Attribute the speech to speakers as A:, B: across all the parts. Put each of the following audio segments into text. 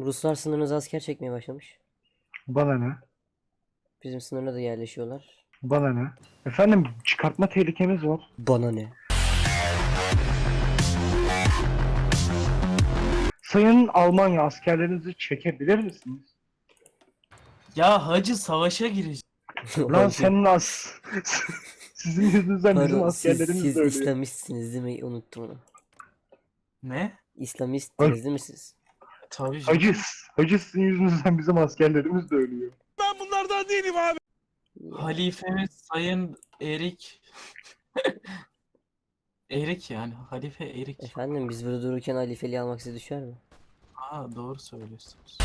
A: Ruslar sınırınıza asker çekmeye başlamış.
B: Bana ne?
A: Bizim sınırına da yerleşiyorlar.
B: Bana ne? Efendim çıkartma tehlikemiz var.
A: Bana ne?
B: Sayın Almanya askerlerinizi çekebilir misiniz?
C: Ya hacı savaşa girecek.
B: Lan
A: Hacı.
B: senin sizin yüzünüzden bizim
A: Pardon,
B: askerlerimiz
A: siz
B: de ölüyor.
A: İslamistsiniz değil mi? Unuttum onu.
C: Ne?
A: İslamistsiniz değil mi siz?
C: Tabii canım.
B: Hacı sizin yüzünüzden bizim askerlerimiz de ölüyor.
C: Halifemiz Sayın Erik. Erik yani. Halife Erik.
A: Efendim biz burada dururken halifeliği almak size düşer mi?
C: Doğru söylüyorsunuz.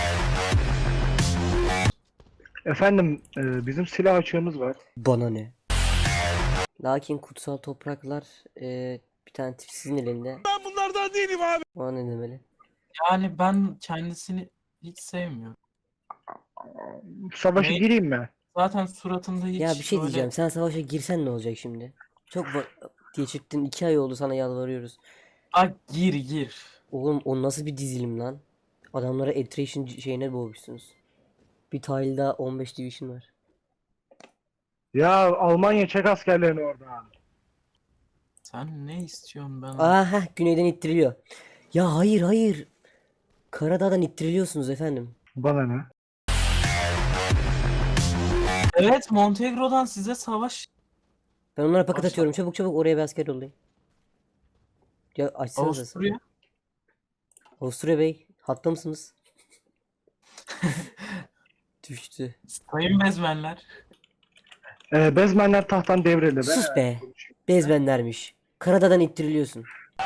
B: Efendim bizim silah açığımız var.
A: Bana ne? Lakin kutsal topraklar bir tane tip sizin elinde.
D: Ben bunlardan değilim abi.
A: O ne demeli?
C: Yani ben kendisini hiç sevmiyorum.
B: Savaşa
C: Ne?
B: gireyim mi?
C: Zaten suratında hiç
A: Ya bir şey
C: böyle...
A: diyeceğim. Sen savaşa girsen ne olacak şimdi? Çok geçirttin. 2 ay oldu sana yalvarıyoruz.
C: Gir.
A: Oğlum o nasıl bir dizilim lan? Adamlara attrition şeyine boğmuşsunuz. Bir tile'da 15 division var.
B: Ya Almanya çek askerlerini oradan.
C: Sen ne istiyorsun ben?
A: Aha güneyden ittiriliyor. Ya hayır. Karadağ'dan ittiriliyorsunuz efendim.
B: Bana ne?
C: Evet, Montenegro'dan size savaş.
A: Ben onlara paket
C: Başla.
A: atıyorum. Çabuk oraya bir asker yollayın. Ya açsanıza.
C: Avusturya.
A: Avusturya Bey hatta mısınız? Düştü.
C: Sayın Bezmenler.
B: Bezmenler tahttan devrildi.
A: Sus be. Bezbenlermiş. Karadağ'dan ittiriliyorsun.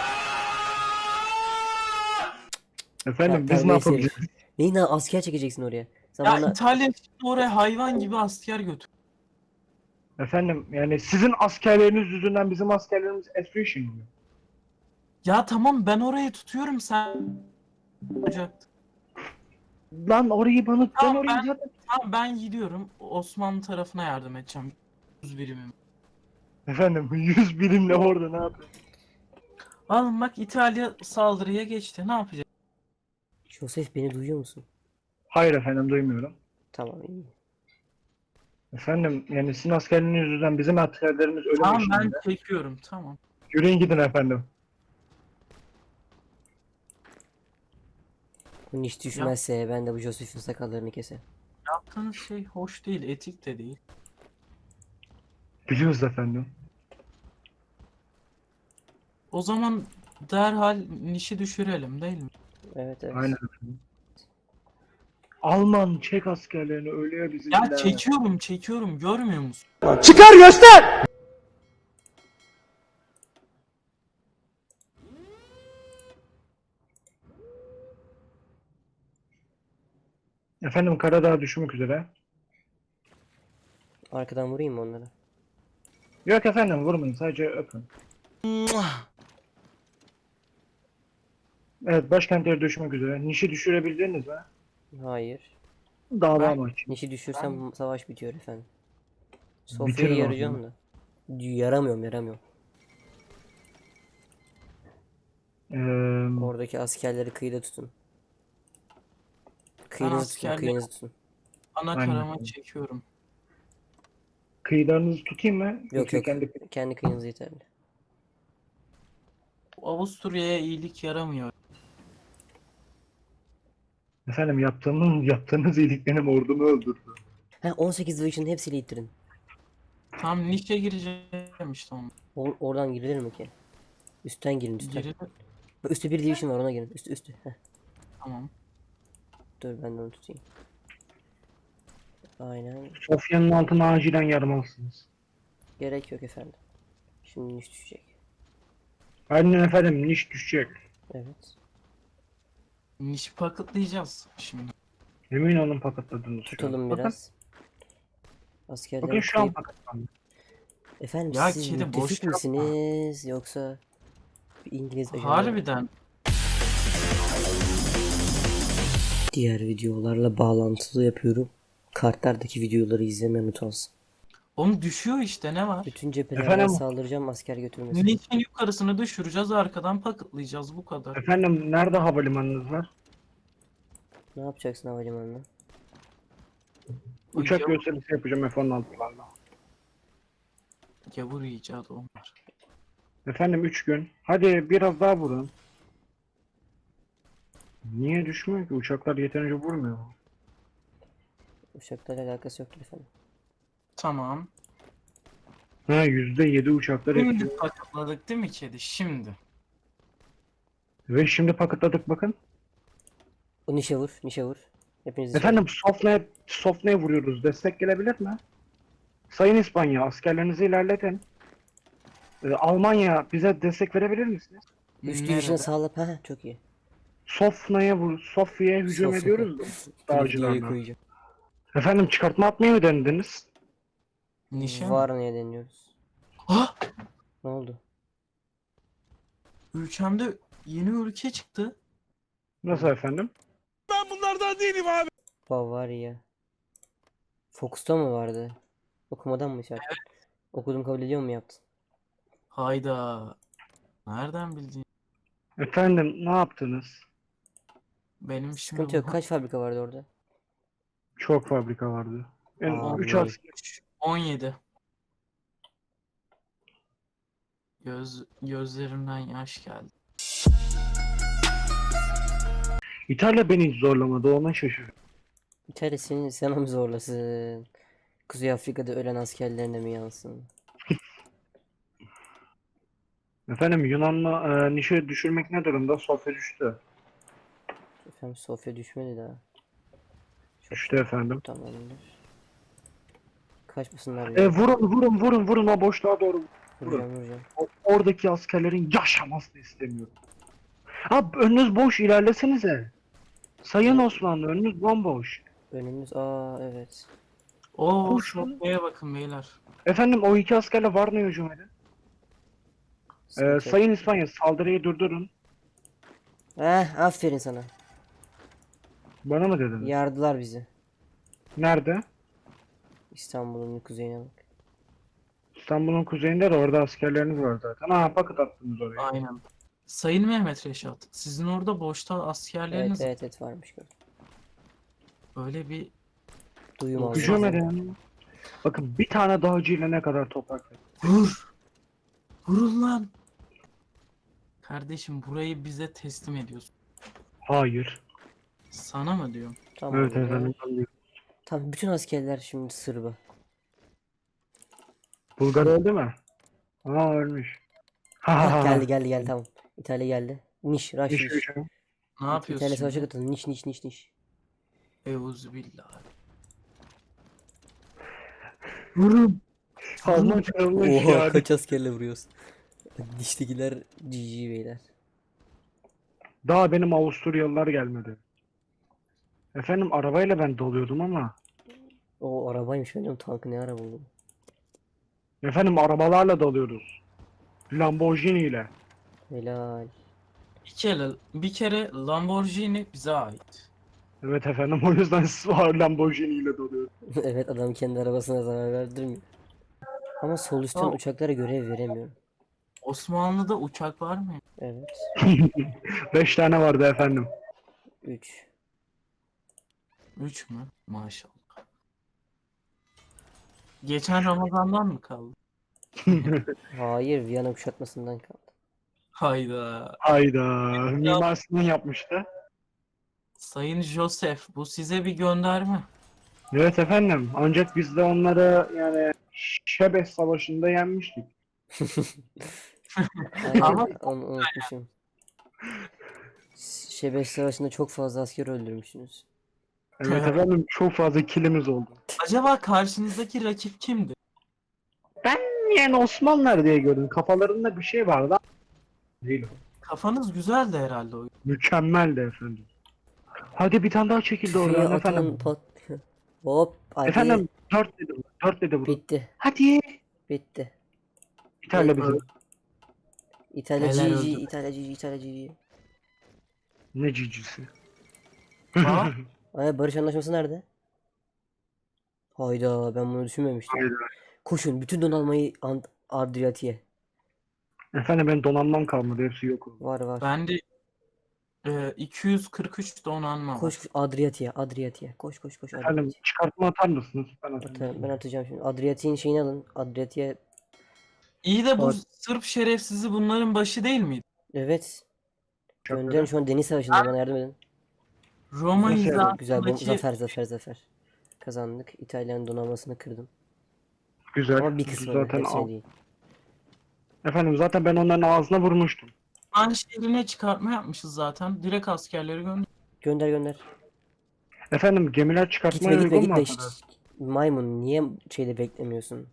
B: Efendim biz ne
A: Terbiyesiz
B: yapabiliriz?
A: herif. Neyin asker çekeceksin oraya? Sen
C: Ya
A: bana...
C: İtalya şimdi oraya hayvan gibi asker götür.
B: Efendim yani sizin askerleriniz yüzünden bizim askerlerimiz attrition oluyor.
C: Ya tamam ben orayı tutuyorum sen olacaktı.
B: Lan orayı bana ben
C: Tamam,
B: orayı
C: ben-
B: zaten...
C: Tamam ben gidiyorum Osmanlı tarafına yardım edeceğim. 100 birimim.
B: Efendim 100 birimle orada ne yapıyor?
C: Alın bak İtalya saldırıya geçti. Ne yapacak?
A: Joseph beni duyuyor musun?
B: Hayır efendim duymuyorum.
A: Tamam iyi.
B: Efendim yani sizin askerleriniz yüzünden bizim askerlerimiz ölüm
C: Tamam ben
B: eşiğinde.
C: çekiyorum tamam.
B: Yürüyün gidin efendim.
A: Bu iş düşmezse ben de bu Joseph'in sakallarını keserim.
C: Yaptığınız şey hoş değil, etik de değil.
B: Biliyoruz efendim.
C: O zaman derhal nişi düşürelim değil mi?
A: Evet.
B: Aynen efendim. Alman Çek askerlerini ölüyor bizim.
C: Ya çekiyorum görmüyor musun?
D: Çıkar göster.
B: Efendim Karadağ düşmek üzere.
A: Arkadan vurayım mı onlara?
B: Yok efendim vurmayın sadece öpün. Evet başkentleri düşmek üzere. Nişi düşürebildiniz mi?
A: Hayır.
B: Dava
C: Ben-
B: maçı.
A: Nişi düşürsem savaş bitiyor efendim.
B: Bitirin
A: Sofya'yı
B: o
A: yarayacağım da. Yaramıyorum. Oradaki askerleri kıyıda tutun.
C: askerleri-
A: Kıyınızı tutun.
C: Ana
B: Aynen.
C: karama çekiyorum.
B: Kıyılarınızı tutayım mı?
A: Yok
B: Yoksa kendi...
A: kendi kıyınız yeterli.
C: Avusturya'ya iyilik yaramıyor.
B: Efendim yaptığınız iyilik benim ordumu öldürdü.
A: Ha 18 Division'ın hepsiyle ittirin.
C: Tam nişe gireceğim işte onu.
A: Oradan girilir mi ki? Üstten girin üstten.
C: Geri
A: Üstte bir division var ona girin. Üstü. Heh,
C: tamam.
A: dur ben de onu tutayım. Aynen.
B: Sofya'nın altına acilen yarmalısınız.
A: Gerek yok efendim. Şimdi niş düşecek.
B: Aynen efendim niş düşecek.
A: Evet.
C: Nişi paketlayacağız şimdi.
B: Emin olun paketladınız şu an.
A: Tutalım
B: Bakın,
A: biraz. Askerler
B: bakın şu an
A: kıyıp...
B: paketlandı.
A: Efendim
C: Ya
A: siz
C: kedi, boş
A: müttefik
C: yapma.
A: misiniz yoksa bir İngiliz ajanı mı?
C: Harbiden.
A: Diğer videolarla bağlantılı yapıyorum. Kartlardaki videoları izlemeyi unutmasın.
C: Onu düşüyor işte ne var?
A: Bütün cephelerden
B: Efendim?
A: saldıracağım asker götürmesin.
C: Nişin yukarısını düşüreceğiz arkadan paketlayacağız bu kadar.
B: Efendim nerede havalimanınız var?
A: Ne yapacaksın havalimanında?
B: Uçak
C: Gavur,
B: gösterisi yapacağım F-16'larla.
C: gavur icadı onlar.
B: Efendim 3 gün. Hadi biraz daha vurun. Niye düşmüyor ki? Uçaklar yeterince vurmuyor mu?
A: Uçaklarla alakası yoktur efendim.
C: Tamam.
B: Ha %7 uçaklar
C: Şimdi
B: etkiliyor.
C: patladık değil mi kedi? Şimdi.
B: Ve şimdi paketladık bakın.
A: O nişe vur, nişe vur. Hepinizi
B: Efendim Sofna'ya vuruyoruz. Destek gelebilir mi? Sayın İspanya askerlerinizi ilerletin. Almanya bize destek verebilir misiniz?
A: 3 division
C: Nerede?
A: sağla. Ha çok iyi.
B: Sofya'ya hücum
A: Sofya.
B: ediyoruz da
A: Dur videoyu
B: dağcılarla.
A: koyacağım.
B: Efendim çıkartma atmayı mı denediniz?
C: Nişe mi?
A: Var neye deniyoruz?
C: Ah!
A: Ne oldu?
C: Ülkemde yeni ülke çıktı.
B: Nasıl efendim?
D: Ben bunlardan değilim abi.
A: Bavaria. Fox'ta mı vardı? Okumadan mı şey yaptın? Okudum kabul ediyor mu yaptın?
C: Hayda. Nereden bildin?
B: Efendim ne yaptınız?
C: Benim şimdi
A: Sıkıntı yok. Kaç fabrika vardı orada?
B: Çok fabrika vardı. En
A: Aa,
B: 3
A: vay.
B: asker.
C: 17. Gözlerimden yaş geldi.
B: İtalya beni hiç zorlamadı ona şaşırdım.
A: İtalya seni sana mı zorlasın? Kuzey Afrika'da ölen askerlerine mi yansın?
B: Efendim Yunan'la Niş'i düşürmek ne durumda? Sofya düştü.
A: Efendim Sofya düşmedi daha. Çok
B: Düştü efendim.
A: tamamdır. Kaçmasınlar
B: Vurun o boşluğa doğru.
A: Vuracağım.
B: Oradaki askerlerin yaşamasını istemiyorum. Abi önünüz boş ilerlesenize. Sayın
A: Evet.
B: Osmanlı önünüz bomboş.
A: Önümüz evet.
C: Oo,
B: Koşun.
C: Sofya'ya bakın beyler.
B: Efendim o iki askerle Varna'ya hücum edin.
A: Sıkıntı yok.
B: Sayın İspanya saldırıyı durdurun.
A: Aferin sana.
B: Bana mı dediniz?
A: Yardılar bizi.
B: Nerede?
A: İstanbul'un kuzeyine bak.
B: İstanbul'un kuzeyinde de orada askerleriniz var zaten. Ha paket attınız oraya.
C: Aynen. Sayın Mehmet Reşat, sizin orada boşta
A: Evet
C: askerleriniz
A: evet varmış gördüm.
C: öyle bir
A: Duyum aldım.
B: Hücum
A: zaten.
B: edin. Bakın bir tane dağcıyla ne kadar toprak.
C: vur. Vurun lan. Kardeşim burayı bize teslim ediyorsun.
B: Hayır.
C: Sana mı diyorum?
A: Tamam.
B: Evet efendim.
A: Tamam bütün askerler şimdi Sırba.
B: Bulgar öldü mü? Aa ölmüş. Ha ha ha.
A: Geldi tamam. İtalya geldi. Niş, Rush,
B: Niş
A: Niş.
B: hücum.
C: Ne
A: İtalya
C: yapıyorsun
A: savaşa
C: şimdi?
A: katıldı. Niş.
C: Euzubillah.
B: Vurun. Alman kralına
A: Oha
B: şikayet.
A: kaç askerle vuruyorsun? Diştekiler GG beyler.
B: Daha benim Avusturyalılar gelmedi. Efendim arabayla ben doluyordum ama.
A: O arabaymış benim tankı ne ara buldum.
B: Efendim arabalarla dalıyoruz. Lamborghini ile.
A: Helal.
C: Bir kere Lamborghini bize ait.
B: Evet efendim o yüzden var Lamborghini ile dalıyoruz.
A: Evet adam kendi arabasına zarar verdirmiyor. Ama sol üstten
C: Tamam.
A: uçaklara görev veremiyorum.
C: Osmanlı'da uçak var mı?
A: Evet.
B: 5 tane vardı efendim.
A: 3.
C: 3 mü? Maşallah. Geçen Ramazan'dan mı kaldı?
A: Hayır Viyana kuşatmasından kaldı.
C: Hayda.
B: Hayda. Mimar Sinan yapmıştı.
C: Sayın Joseph, bu size bir gönderme.
B: Evet efendim. Ancak biz de onları yani Şebes Savaşı'nda yenmiştik.
A: Aynen
C: Ama-
A: onu unutmuşum. Şebeş Savaşı'nda çok fazla asker öldürmüşsünüz.
B: Evet efendim çok fazla kilimiz oldu.
C: Acaba karşınızdaki rakip kimdi?
B: Yani Osmanlılar diye gördüm. Kafalarında bir şey vardı. Değil.
C: Kafanız güzeldi herhalde o.
B: Mükemmeldi efendim. Hadi bir tane daha çekildi
A: Tüfeği
B: oradan
A: atın
B: efendim.
A: Hop hadi.
B: Efendim 4 dedi bu. 4 dedi bu.
A: Bitti.
B: Hadi.
A: Bitti.
B: İtalya bizim.
A: İtalya
C: Neler
A: GG,
C: öldü?
A: İtalya GG.
B: Ne cicisi.
C: Aa,
A: Ay barış anlaşması nerede? Hayda ben bunu düşünmemiştim.
B: Hayda.
A: Koşun bütün donanmayı Adriyatik'e.
B: Efendim ben donanmam kalmadı. Hepsi yok oldu.
A: Var.
C: ben de 243 donanma var.
A: Koş Adriyatik'e. Koş
B: Efendim
A: Adriyatik'e.
B: çıkartma atar mısınız? Ben atarım.
A: Ben atacağım şimdi. Adriyatik'in şeyini alın. Adriyatik'e.
C: İyi de bu
A: Or-
C: Sırp şerefsizi bunların başı değil miydi?
A: Evet.
B: Çok
A: Gönderin şu an deniz savaşında, bana yardım edin.
C: Roma
B: Nasıl yani?
A: Güzel.
C: hizasındaki
A: Zafer. Kazandık. İtalya'nın donanmasını kırdım.
B: Güzel.
A: Ama bir kısmını,
B: Zaten
A: hepsini değil.
B: Efendim zaten ben onların ağzına vurmuştum.
C: Liman şehrine çıkartma yapmışız zaten. Direkt askerleri gönder.
A: Gönder.
B: Efendim gemiler çıkartmaya uygun mu
A: Gitme.
B: arkadaş?
A: Maymun, niye şeyde beklemiyorsun?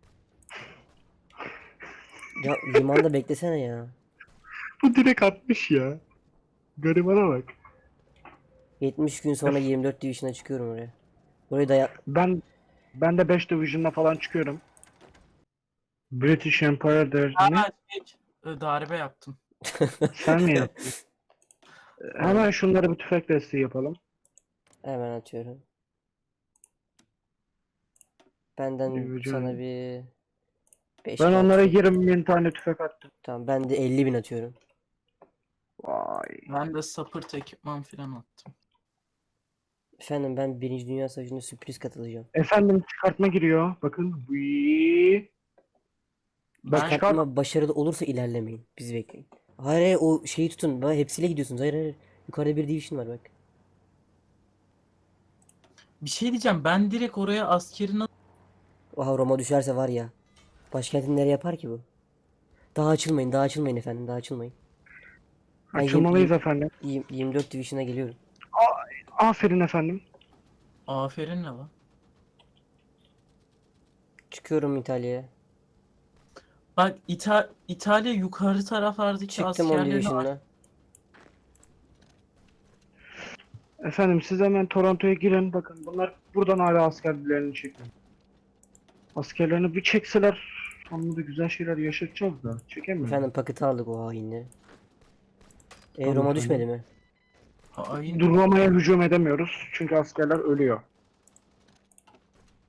A: Ya limanda beklesene ya.
B: Bu direkt atmış ya. Garibana bak.
A: 70 gün sonra 24 Division'a çıkıyorum oraya. Burayı da
B: Ben de 5 Division'la falan çıkıyorum. British Empire der ne?
C: Ha, darbe yaptım.
B: Sen mi yaptın? Hemen şunları bir tüfek desteği yapalım.
A: hemen atıyorum. Benden
B: Division.
A: sana bir 5
B: Ben onlara 20.000 tane tüfek attım.
A: Tamam, ben de 50.000 atıyorum.
B: Vay.
C: Ben de sapırt ekipman falan attım.
A: Efendim, ben 1. Dünya Savaşı'nda sürpriz katılacağım.
B: Efendim çıkartma giriyor. Bakın. Vii. Bak çıkart.
A: Çıkartma başarılı olursa ilerlemeyin. Bizi bekleyin. Hayır, o şeyi tutun. Bak, hepsiyle gidiyorsunuz. Hayır. Yukarıda bir division var bak.
C: Bir şey diyeceğim. Ben direkt oraya askerini
A: Oha, Roma düşerse var ya. Başkentini nereye yapar ki bu? Daha açılmayın efendim. Daha açılmayın. Ben
B: Açılmalıyız efendim.
A: 24 Division'a geliyorum.
B: Aferin efendim.
C: aferin ne lan?
A: Çıkıyorum İtalya'ya.
C: Bak İtalya yukarı taraflardaki
A: Çıktım 10
C: askerlerini
A: Division'la.
B: Efendim siz hemen Toronto'ya girin. Bakın bunlar buradan hala askerlerini çekiyor. Askerlerini bir çekseler onunla da güzel şeyler yaşatacağız da. Çekemiyor.
A: Efendim paketi aldık o hainleri.
B: Tamam
A: Roma
B: efendim.
A: düşmedi mi?
C: Hain.
B: Durmamaya hücum edemiyoruz. Çünkü askerler ölüyor.